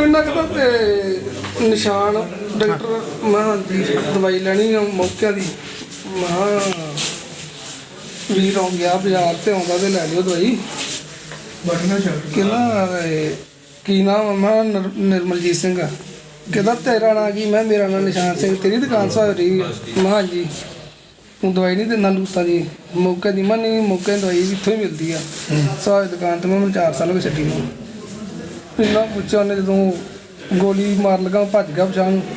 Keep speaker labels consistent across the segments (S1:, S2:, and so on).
S1: ਇਹਨਾਂ ਦਾ ਤੇ ਨਿਸ਼ਾਨ ਡਾਕਟਰ ਮੈਂ ਜੀ ਦਵਾਈ ਲੈਣੀ ਮੌਕਿਆਂ ਦੀ ਮੈਂ ਵੀਰ ਆ ਗਿਆ ਬਾਜ਼ਾਰ ਤੇ ਆਉਂਦਾ ਤੇ ਲੈ ਲਿਓ ਦਵਾਈ ਕਹਿੰਦਾ ਕੀ ਨਾਮ ਮੈਂ ਨਿਰਮਲਜੀਤ ਸਿੰਘ ਆ। ਕਹਿੰਦਾ ਤੇਰਾ ਨਾਂ ਕੀ? ਮੈਂ ਮੇਰਾ ਨਾਂ ਨਿਸ਼ਾਨ ਸਿੰਘ। ਤੇਰੀ ਦੁਕਾਨ ਸਾ ਰਹੀ ਮੈਂ ਹਾਂਜੀ ਤੂੰ ਦਵਾਈ ਨਹੀਂ ਦਿੰਦਾ ਲੂਤਾਂ ਦੀ ਮੌਕੇ ਦੀ? ਮੈਂ ਨਹੀਂ ਮੌਕੇ ਦੀ ਦਵਾਈ ਵੀ ਇੱਥੋਂ ਹੀ ਮਿਲਦੀ ਆ ਸਾਹ ਦੁਕਾਨ 'ਤੇ। ਮੈਂ 4 ਸਾਲ ਹੋ ਗਏ ਛੱਡੀ ਨੂੰ। ਇੰਨਾ ਪੁੱਛਿਆ ਉਹਨੇ ਜਦੋਂ ਗੋਲੀ ਮਾਰ ਲਗਾ ਭੱਜ ਗਿਆ ਪਛਾਣ ਨੂੰ।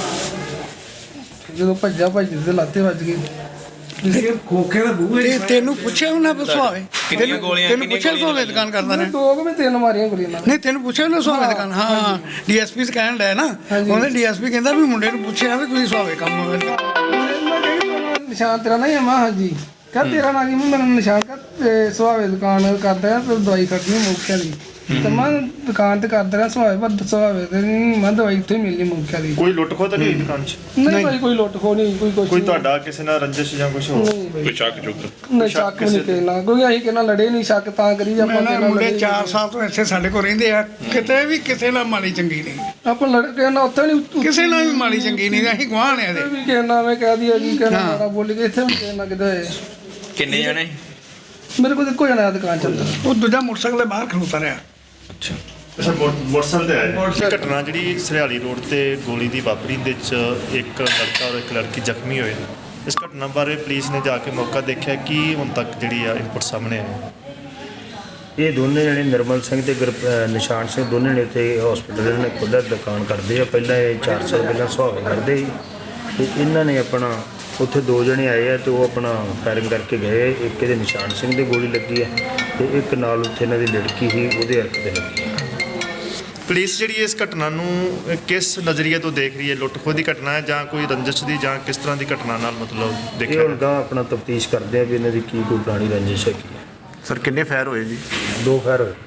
S1: ਜਦੋਂ ਭੱਜਿਆ ਭੱਜਦੇ ਤੇ ਲਾਤੇ ਵੱਜ ਗਏ।
S2: ਖੋਖੇ ਦਾ ਬੂਹੇ
S3: ਤੈਨੂੰ ਪੁੱਛਿਆ ਉਹਨਾਂ ਤੋਂ ਸੁਹਾਵੇ?
S4: ਕਿੰਨੀਆਂ ਗੋਲੀਆਂ
S3: ਤੈਨੂੰ ਪੁੱਛਿਆ ਸੁਹਾਵੇ ਦੁਕਾਨ ਕਰਦਾ ਨੇ?
S1: 2 ਕਿ 3 ਮਾਰੀਆਂ ਗੋਲੀਆਂ ਨਾਲ।
S3: ਨਹੀਂ ਤੈਨੂੰ ਪੁੱਛਿਆ ਨਾ ਸੁਹਾਵੇ ਦੁਕਾਨ? ਹਾਂ ਡੀਐਸਪੀ ਕਹਿਣ ਡਿਆ ਨਾ ਉਹਨੇ ਡੀਐਸਪੀ ਕਹਿੰਦਾ ਵੀ ਮੁੰਡੇ ਨੂੰ ਪੁੱਛਿਆ ਵੀ ਤੁਸੀਂ ਸੁਹਾਵੇ ਕੰਮ ਹੋਵੇ
S1: ਨਿਸ਼ਾਨ ਤੇਰਾ ਨਹੀਂ ਹੈ? ਮੈਂ ਹਾਂਜੀ ਕਹ ਤੇਰਾ ਨਾਂ ਕੀ? ਮੈਨੂੰ ਨਿਸ਼ਾਨ ਕਰ ਸੁਹਾਵੇ ਦੁਕਾਨ ਕਰਦਾ ਤੇ ਦਵਾਈ ਖੜਦੀ ਮੌਕਿਆਂ ਦੀ। ਤੇ ਮੈਂ ਦੁਕਾਨ ਤੇ ਕਰਦਾ ਰਿਹਾ ਸੁਹਾਵੇ ਪਰ ਸੁਹਾਵੇ ਤੇ ਨਹੀਂ ਮੈਂ ਦਵਾਈ ਇੱਥੇ ਮਿਲਣੀ ਮੌਕਿਆਂ ਦੀ।
S5: ਕੋਈ ਲੁੱਟ ਖੋਹ ਤਾਂ ਨਹੀਂ ਦੁਕਾਨ 'ਚ?
S1: ਨਹੀਂ ਭਾਈ ਕੋਈ ਲੁੱਟ ਖੋ ਨਹੀਂ ਕੋਈ ਕੁਛ
S5: ਕੋਈ ਤੁਹਾਡਾ ਕਿਸੇ ਨਾਲ ਰੰਜਿਸ਼ ਜਾਂ ਕੁਝ ਹੋਰ?
S1: ਕੋਈ
S4: ਸ਼ੱਕ ਚੁੱਕ
S1: ਨਹੀਂ ਸ਼ੱਕ ਨਹੀਂ ਕਹਿਣਾ ਕੋਈ ਅਸੀਂ ਕਿਹਨਾਂ ਲੜੇ ਨਹੀਂ ਸ਼ੱਕ ਤਾਂ ਕਰੀ ਜੇ ਆਪਾਂ
S3: ਮੁੰਡੇ 4 ਸਾਲ ਤੋਂ ਇੱਥੇ ਸਾਡੇ ਕੋਲ ਰਹਿੰਦੇ ਆ ਕਿਤੇ ਵੀ ਕਿਸੇ ਨਾਲ ਮਾੜੀ ਚੰਗੀ ਨਹੀਂ।
S1: ਆਪਾਂ ਲੜ ਕੇ ਨਾ ਉੱਥੇ ਨਹੀਂ
S3: ਕਿਸੇ ਨਾਲ ਵੀ ਮਾੜੀ ਚੰਗੀ ਨਹੀਂ ਅਸੀਂ ਗਵਾਹ ਨੇ ਇਹਦੇ।
S1: ਵੀ ਕਹਿਣਾ ਮੈਂ ਕਹਿ ਦਿਆ ਜੀ ਕਹਿਣਾ ਮਾਰਾ ਬੋਲੀ ਕੇ ਇੱਥੇ ਵੀ ਕਹਿਣਾ ਕਿਤੇ
S4: ਕਿੰਨੇ ਜਣੇ?
S1: ਮੇਰੇ ਕੋਲ ਇੱਕੋ ਜਣਾ ਦੁਕਾਨ ਚੱਲਦਾ।
S3: ਉਹ ਦੂਜਾ ਮੋਟਰਸਾਈਕਲ ਬਾਹਰ ਖਲੋਤਾ ਰਿਹਾ।
S4: ਅੱਛਾ
S5: ਮੋਟਰਸਾਈਕਲ ਤੇ ਆਇਆ ਘਟਨਾ ਜਿਹੜੀ ਸਰਿਆਲੀ ਰੋਡ ਤੇ ਗੋਲੀ ਦੀ ਵਾਪਰੀ ਦੇ ਵਿੱਚ ਇੱਕ ਲੜਕਾ ਔਰ ਇੱਕ ਲੜਕੀ ਜ਼ਖਮੀ ਹੋਏ ਨੇ। ਇਸ ਘਟਨਾ ਬਾਰੇ ਪੁਲਿਸ ਨੇ ਜਾ ਕੇ ਮੌਕਾ ਦੇਖਿਆ ਕਿ ਹੁਣ ਤੱਕ ਜਿਹੜੀ ਆ ਇਨਪੁਟ ਸਾਹਮਣੇ ਆਏ?
S6: ਇਹ ਦੋਨੇ ਜਣੇ ਨਿਰਮਲ ਸਿੰਘ ਤੇ ਨਿਸ਼ਾਨ ਸਿੰਘ ਦੋਨੇ ਨੇ ਇੱਥੇ ਹਸਪੀਟਲ ਨੇ ਖੁਦ ਦੁਕਾਨ ਕਰਦੇ ਆ। ਪਹਿਲਾਂ ਇਹ 4 ਸਾਲ ਪਹਿਲਾਂ ਸੁਹਾਵੇ ਕਰਦੇ ਸੀ ਤੇ ਇਹਨਾਂ ਨੇ ਆਪਣਾ ਉੱਥੇ 2 ਜਣੇ ਆਏ ਆ ਤੇ ਉਹ ਆਪਣਾ ਫਾਇਰਿੰਗ ਕਰਕੇ ਗਏ। ਇੱਕ ਇਹਦੇ ਨਿਸ਼ਾਨ ਸਿੰਘ ਦੇ ਗੋਲੀ ਲੱਗੀ ਆ ਤੇ ਇੱਕ ਨਾਲ ਉੱਥੇ ਇਹਨਾਂ ਦੀ ਲੜਕੀ ਸੀ ਉਹਦੇ ਹੱਥ ਤੇ ਲੱਗੀ।
S5: ਪੁਲਿਸ ਜਿਹੜੀ ਇਸ ਘਟਨਾ ਨੂੰ ਕਿਸ ਨਜ਼ਰੀਏ ਤੋਂ ਦੇਖ ਰਹੀ ਹੈ? ਲੁੱਟ ਖੋਹ ਦੀ ਘਟਨਾ ਹੈ ਜਾਂ ਕੋਈ ਰੰਜਿਸ਼ ਦੀ ਜਾਂ ਕਿਸ ਤਰ੍ਹਾਂ ਦੀ ਘਟਨਾ ਨਾਲ ਮਤਲਬ
S6: ਇਹ
S5: ਦੇਖਿਆ?
S6: ਹੁਣ ਗਾਂਹ ਆਪਣਾ ਤਫਤੀਸ਼ ਕਰਦੇ ਆ ਵੀ ਇਹਨਾਂ ਦੀ ਕੀ ਕੋਈ ਪੁਰਾਣੀ ਰੰਜਿਸ਼ ਹੈ ਕੀ ਹੈ।
S5: ਸਰ ਕਿੰਨੇ ਫਾਇਰ ਹੋਏ ਜੀ?
S6: 2 ਫਾਇਰ ਹੋਏ।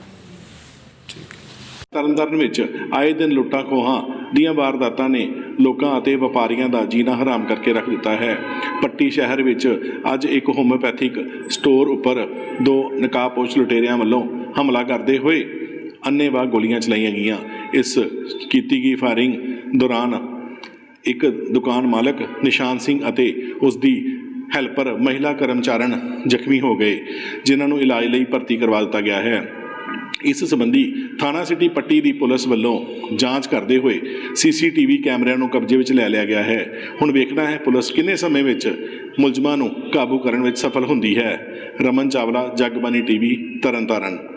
S7: ਤਰਨਤਾਰਨ ਵਿੱਚ ਆਏ ਦਿਨ ਲੁੱਟਾਂ ਖੋਹਾਂ ਦੀਆਂ ਵਾਰਦਾਤਾਂ ਨੇ ਲੋਕਾਂ ਅਤੇ ਵਪਾਰੀਆਂ ਦਾ ਜੀਣਾ ਹਰਾਮ ਕਰਕੇ ਰੱਖ ਦਿੱਤਾ ਹੈ। ਪੱਟੀ ਸ਼ਹਿਰ ਵਿੱਚ ਅੱਜ ਇੱਕ ਹੋਮਿਓਪੈਥਿਕ ਸਟੋਰ ਉੱਪਰ 2 ਨਕਾਬਪੋਸ਼ ਲੁਟੇਰਿਆਂ ਵੱਲੋਂ ਹਮਲਾ ਕਰਦੇ ਹੋਏ ਅੰਨ੍ਹੇਵਾਹ ਗੋਲੀਆਂ ਚਲਾਈਆਂ ਗਈਆਂ। ਇਸ ਕੀਤੀ ਗਈ ਫਾਇਰਿੰਗ ਦੌਰਾਨ ਇੱਕ ਦੁਕਾਨ ਮਾਲਕ ਨਿਸ਼ਾਨ ਸਿੰਘ ਅਤੇ ਉਸ ਦੀ ਹੈਲਪਰ ਮਹਿਲਾ ਕਰਮਚਾਰਨ ਜ਼ਖਮੀ ਹੋ ਗਏ, ਜਿਨ੍ਹਾਂ ਨੂੰ ਇਲਾਜ ਲਈ ਭਰਤੀ ਕਰਵਾ ਦਿੱਤਾ ਗਿਆ ਹੈ। ਇਸ ਸੰਬੰਧੀ ਥਾਣਾ ਸਿਟੀ ਪੱਟੀ ਦੀ ਪੁਲਿਸ ਵੱਲੋਂ ਜਾਂਚ ਕਰਦੇ ਹੋਏ CCTV ਕੈਮਰਿਆਂ ਨੂੰ ਕਬਜ਼ੇ ਵਿੱਚ ਲੈ ਲਿਆ ਗਿਆ ਹੈ। ਹੁਣ ਵੇਖਣਾ ਹੈ ਪੁਲਿਸ ਕਿੰਨੇ ਸਮੇਂ ਵਿੱਚ ਮੁਲਜ਼ਮਾਂ ਨੂੰ ਕਾਬੂ ਕਰਨ ਵਿੱਚ ਸਫਲ ਹੁੰਦੀ ਹੈ। ਰਮਨ ਚਾਵਲਾ, ਜਗਬਾਣੀ TV, ਤਰਨਤਾਰਨ।